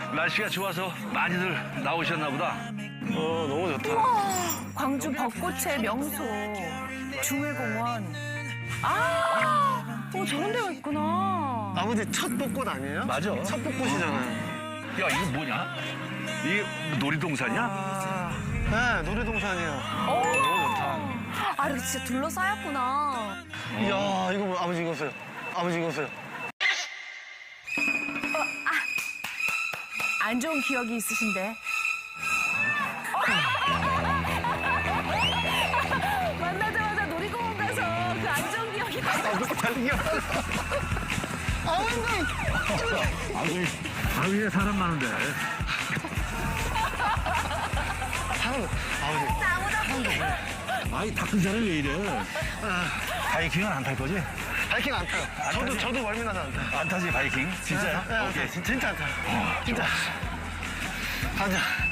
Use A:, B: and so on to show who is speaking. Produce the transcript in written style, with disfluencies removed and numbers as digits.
A: 날씨가 좋아서 많이들 나오셨나 보다.
B: 너무 좋다.
C: 광주 벚꽃의 명소 중회공원. 저런 데가 있구나.
B: 아버지 첫 벚꽃 아니에요?
A: 맞아.
B: 첫 벚꽃이잖아요.
A: 야, 이거 뭐냐? 이게 놀이동산이야?
B: 네, 놀이동산이요.
A: 너무 좋다.
C: 이렇게 진짜 둘러싸였구나.
B: 이야, 이거 뭐, 아버지 이거 보세요. 아버지 이거 보세요.
C: 안 좋은 기억이 있으신데. 만나자마자 놀이공원 가서 그 안 좋은 기억이
A: 바위에 사람 많은데. 아이, 다 큰 사람이 왜 이래? 바이킹은 안 탈 거지?
B: 바이킹 안 타요. 저도 멀미나서 안 타요.
A: 안 타지, 바이킹? 진짜요?
B: 네,
A: 오케이.
B: 진짜 안 타요. 진짜. 가자.